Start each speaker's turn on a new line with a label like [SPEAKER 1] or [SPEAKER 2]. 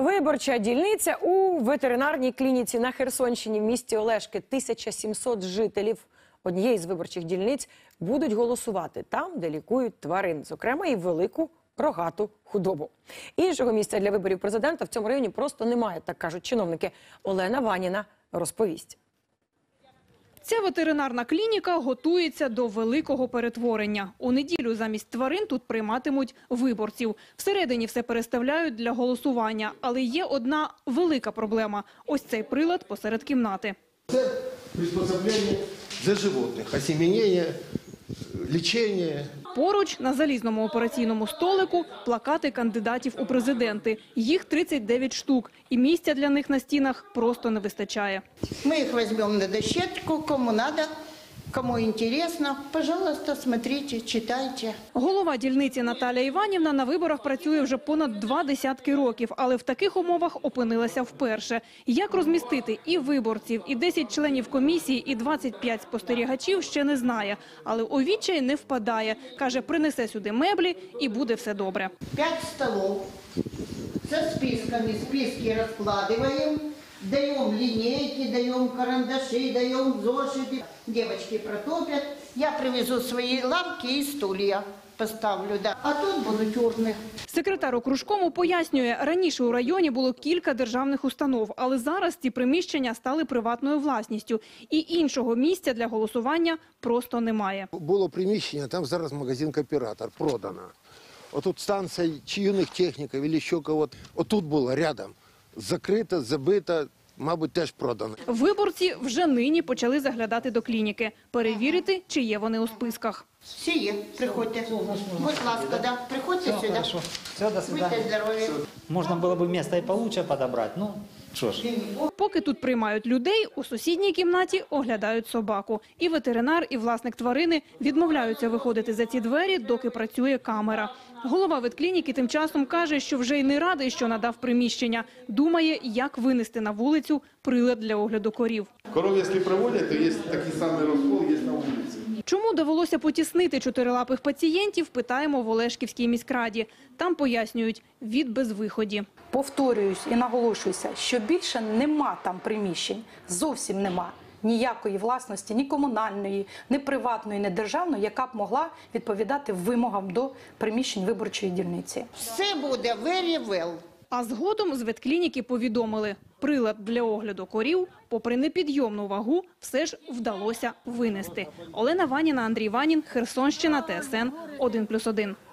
[SPEAKER 1] Виборча дільниця у ветеринарній клініці на Херсонщині в місті Олешки. 1700 жителів однієї з виборчих дільниць будуть голосувати там, де лікують тварин, зокрема і велику рогату худобу. Іншого місця для виборів президента в цьому районі просто немає, так кажуть чиновники. Олена Ваніна розповість.
[SPEAKER 2] Ця ветеринарна клініка готується до великого перетворення. У неділю замість тварин тут прийматимуть виборців. Всередині все переставляють для голосування. Але є одна велика проблема – ось цей прилад посеред кімнати.
[SPEAKER 3] Це приспособлення для животних, осеменення, лічення.
[SPEAKER 2] Поруч на залізному операційному столику плакати кандидатів у президенти. Їх 39 штук. І місця для них на стінах просто не вистачає.
[SPEAKER 4] Мы их возьмем на дощечку, кому надо, кому интересно. Пожалуйста, смотрите, читайте.
[SPEAKER 2] Голова дільниці Наталія Іванівна на виборах працює вже понад 20 років, але в таких умовах опинилася вперше. Як розмістити і виборців, і 10 членів комісії, і 25 спостерігачів ще не знає. Але у відчай не впадає. Каже, принесе сюди меблі і буде все добре.
[SPEAKER 4] 5 столов со списками, списки раскладываем, даем линейки, даем карандаши, даем зошиты. Девочки протопят. Я привезу свои лавки и стулья. Поставлю, да. А тут будуть урни.
[SPEAKER 2] Секретар окружкому пояснює, раніше у районі було кілька державних установ, але зараз ці приміщення стали приватною власністю. І іншого місця для голосування просто немає.
[SPEAKER 3] Було приміщення, там зараз магазин «Кооператор», продано. Отут станція чи юних техніків, або ще когось. Отут було рядом. Закрито, забито, мабуть, теж продано.
[SPEAKER 2] Виборці вже нині почали заглядати до клініки, перевірити, чи є вони у списках.
[SPEAKER 4] Всі є, приходьте. Будь ласка, да. Приходьте сюди.
[SPEAKER 5] Хорошо. Все, до свидания.
[SPEAKER 4] Будьте здорові.
[SPEAKER 5] Можно было бы место и получше подобрать. Ну, что ж.
[SPEAKER 2] Поки тут приймають людей, у сусідній кімнаті оглядають собаку. І ветеринар, і власник тварини відмовляються виходити за ці двері, доки працює камера. Голова ветклініки тим часом каже, що вже й не радий, що надав приміщення. Думає, як винести на вулицю прилад для огляду корів.
[SPEAKER 6] Коров, якщо проводять, то є такий самий розкол, є на вулиці.
[SPEAKER 2] Чому довелося потіснити чотирилапих пацієнтів, питаємо в Олешківській міськраді. Там пояснюють – від безвиході.
[SPEAKER 7] Повторююсь і наголошуюся, що більше нема там приміщень, зовсім нема ніякої власності, ні комунальної, ні приватної, ні державної, яка б могла відповідати вимогам до приміщень виборчої дільниці.
[SPEAKER 4] Все буде very well.
[SPEAKER 2] А згодом з ветклініки повідомили – прилад для огляду корів, попри непідйомну вагу, все ж вдалося винести. Олена Ваніна, Андрій Ванін, Херсонщина, ТСН 1+1.